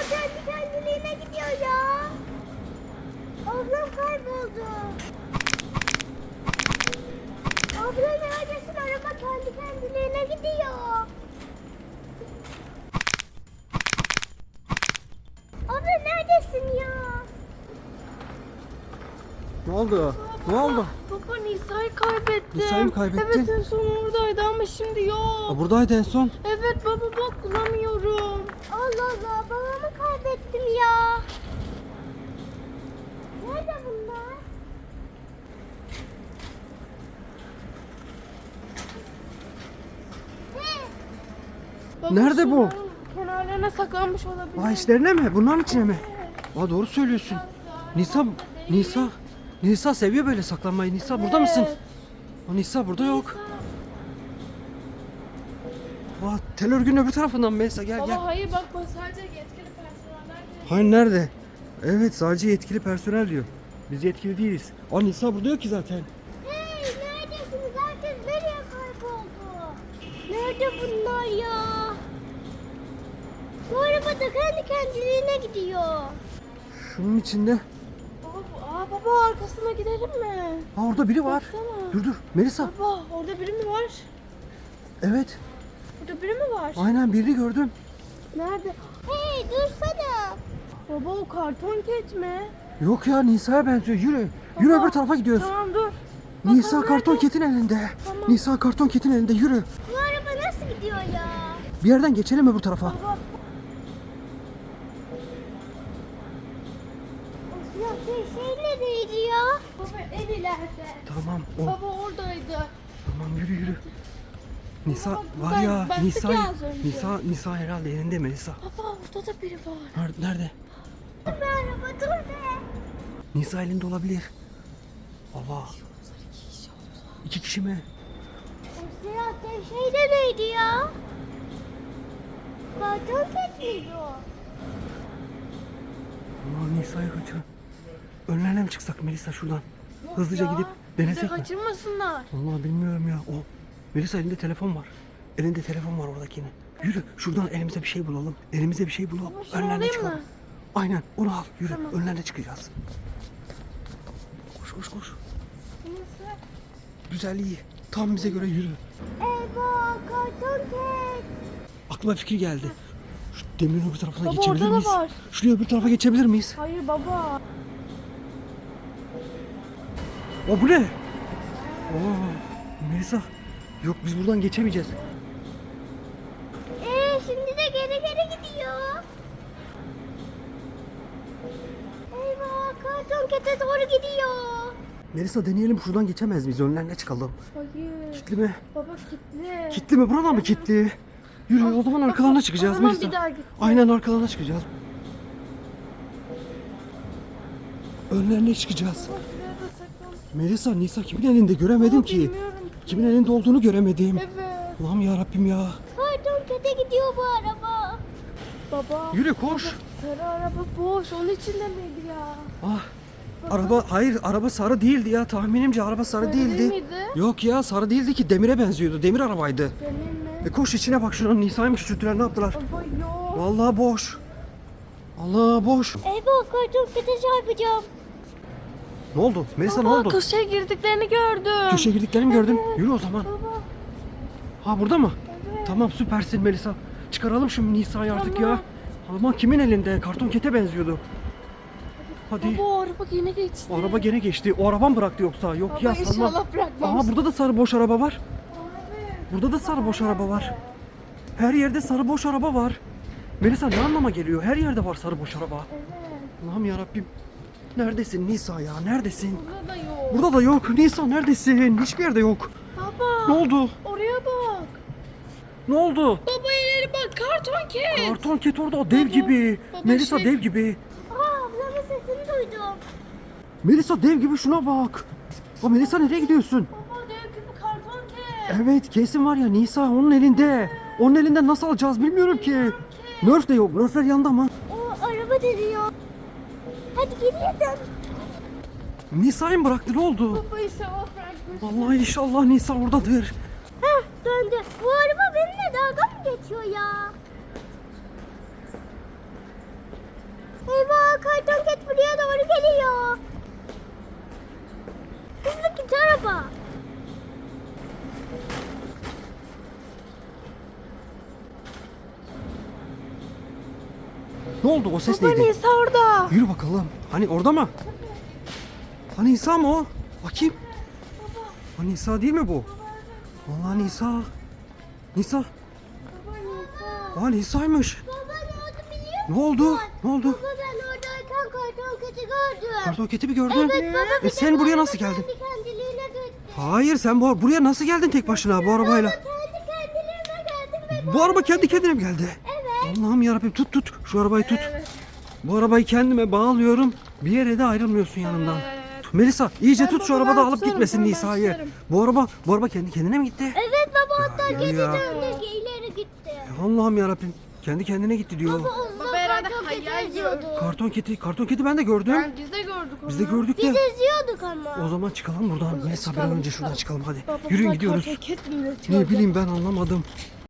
kendi kendiliğine gidiyor ya. Ablam kayboldu. Abla neredesin? Araba kendi kendiliğine gidiyor. Abla neredesin ya? Ne oldu? Ne oldu? Baba Nisa'yı kaybettim. Nisa'yı mı kaybettin? Evet en son oradaydı ama şimdi yok. Aa, buradaydı en son. Evet baba bak bulamıyorum. Allah Allah babamı kaybettim ya. Nerede bunlar? Baba, Nerede bu? şunların kenarlarına saklanmış olabilir. Aa, içlerine mi? Bunların içine mi? Aa, doğru söylüyorsun. Nisa seviyor böyle saklanmayı. Nisa burada mısın? Aa, Nisa burada yok. Aa, tel örgünün öbür tarafından Melisa gel Baba gel. hayır bak sadece yetkili personeller diyor. Hayır nerede? Evet sadece yetkili personel diyor. Biz yetkili değiliz. Aa, Nisa burada yok ki zaten. Hey neredesiniz? Herkes nereye kayboldu? Nerede bunlar ya? Bu araba da kendi kendiliğine gidiyor. Şunun içinde. Baba arkasına gidelim mi? Aa, orada biri var. Baksana. Dur Melisa. Baba orada biri mi var? Evet. Orada biri mi var? Aynen birini gördüm. Nerede? Hey dursana. Baba o karton ket mi? Yok ya Nisa'ya benziyor. Yürü. Yürü Baba, öbür tarafa gidiyoruz. Tamam dur. Nisa Bakalım karton nerede? ketin elinde. Tamam. Nisa karton ketin elinde yürü. Bu araba nasıl gidiyor ya? Bir yerden geçelim öbür tarafa. Baba. Ya şey neredeydi ya? Baba en ileride. Tamam o. Baba oradaydı. Tamam yürü. Nisa Baba, var ya baktık Nisa ya az önce. Nisa herhalde elinde mi Nisa? Baba orada da biri var. Nerede? Dur be araba dur be. Nisa elinde olabilir. Allah. İki kişi mi? O siyah şey de neydi ya? Karton ket miydi o? Aa, Nisa'yı kaçırın. Önlerine mi çıksak Melisa şuradan? Hızlıca Ya, gidip bizi denesek mi? kaçırmasınlar. Vallahi bilmiyorum ya. O Melisa elinde telefon var. Elinde telefon var oradakinin. Yürü şuradan elimize bir şey bulalım. Elimize bir şey bulalım. Ama şunu Önlerine alayım çıkalım. mı? Aynen onu al. Yürü Tamam. önlerine çıkacağız. Koş. Neyse. Güzel iyi. Tam bize göre yürü. Eyvah karton ket. Aklıma fikir geldi. Şu demirin öbür tarafına Baba, geçebilir orada da miyiz? var. Şuraya öbür tarafa geçebilir miyiz? Hayır baba. O bu ne? Oo, Melisa. Yok biz buradan geçemeyeceğiz. Şimdi de geri gidiyor. Eyvah karton kete doğru gidiyor. Melisa deneyelim şuradan geçemez miyiz? Önlerine çıkalım. Hayır. Kitli mi? Baba kilitli. Kitli mi? Buradan mı kitli? Yürü o zaman arkalarına çıkacağız o zaman Melisa. bir daha git. Aynen arkalarına çıkacağız. Önlerine çıkacağız. Baba şuraya da saklan. Melisa, Nisa kimin elinde göremedim ki. Bilmiyorum. Kimin elinde olduğunu göremedim. Evet. Allah'ım ya Rabbim ya. Karton kete gidiyor bu araba. Baba. Yürü koş. Sarı araba boş. Onun içinde miydi ya? Ah. Araba sarı değildi ya. Tahminimce araba sarı Sarı değildi. değil miydi? Yok ya sarı değildi ki demire benziyordu. Demir arabaydı. Benim mi? Koş içine bak şuranın Nisa'yı mı küçülttüler ne yaptılar? Baba yok. Vallahi boş. Allah boş. Eyvah karton kete çarpacağım. Ne oldu? Melisa ne Baba oldu? köşeye girdiklerini gördüm. Köşeye girdiklerini gördün. Evet. Yürü o zaman. Baba. Ha burada mı? Evet. Tamam süpersin Melisa. Çıkaralım şu Nisa'yı artık Tamam. ya. Ama kimin elinde? Karton kete benziyordu. Hadi. Baba o araba yine geçti. O araba gene geçti. O araba mı bıraktı yoksa? Yok Baba ya sanmam. inşallah bırakmaz. Aha burada da sarı boş araba var. Abi. Burada da sarı boş araba var. Her yerde sarı boş araba var. Melisa ne anlama geliyor? Her yerde var sarı boş araba. Evet. Allah'ım yarabbim. Neredesin Nisa ya? Neredesin? Burada da yok. Burada da yok. Nisa neredesin? Hiçbir yerde yok. Baba. Ne oldu? Oraya bak. Ne oldu? Baba ileri bak karton ket. Karton ket orada o dev Baba, gibi. baba Melisa şey- dev gibi. Ablamın sesini duydum. Melisa dev gibi şuna bak. O Melisa nereye gidiyorsun? Baba dev gibi karton ket. Evet kesin var ya Nisa onun elinde. Onun elinden nasıl alacağız bilmiyorum ki. Nerf de yok. Nerfler yanında mı? O araba dönüyor. Hadi geriye dön. Nisa'yı mı bıraktı ne oldu? Baba inşallah bırakmış. Vallahi inşallah Nisa oradadır. Heh döndü. Bu araba benimle dalga mı geçiyor ya? Ne oldu? O ses Baba neydi? Nisa orada. Yürü bakalım. Hani orada mı? Hani Nisa mı o? Bakayım. Hani Nisa değil mi bu? Vallahi Nisa. Nisa. Baba Nisa. Aa Nisa'ymış. Baba ne oldu biliyor musun? Ne oldu? Ne oldu? Baba ben oradayken karton keti gördüm. Karton keti mi gördün? Evet baba. Bir de Sen bu buraya araba nasıl geldin? Kendi kendiliğine gitti. Hayır sen buraya nasıl geldin tek başına bu arabayla? Kendi kendiliğine geldim ve Bu araba kendi kendine mi geldi? Evet. Allah'ım yarabbim tut. Şu arabayı tut. Bu arabayı kendime bağlıyorum. Bir yere de ayrılmıyorsun yanımdan. Melisa iyice Ben tut şu babama arabada alıp tutarım, gitmesin tamam, ben Nisa'yı. tutarım. Bu araba kendi kendine mi gitti? Evet baba hatta Ya, geri ya. döndü ileri gitti. Allah'ım yarabbim. Kendi kendine gitti diyor. Baba o zaman herhalde karton keti hayal eziyordu. Karton keti ben de gördüm. Biz de gördük onu. Biz de gördük Biz de. eziyorduk ama. O zaman çıkalım buradan. Melisa bir an çıkalım, önce şuradan çıkalım hadi. Baba, Yürüyün bunlar gidiyoruz. karton ket mi üretiyor Ne acaba? bileyim ben anlamadım.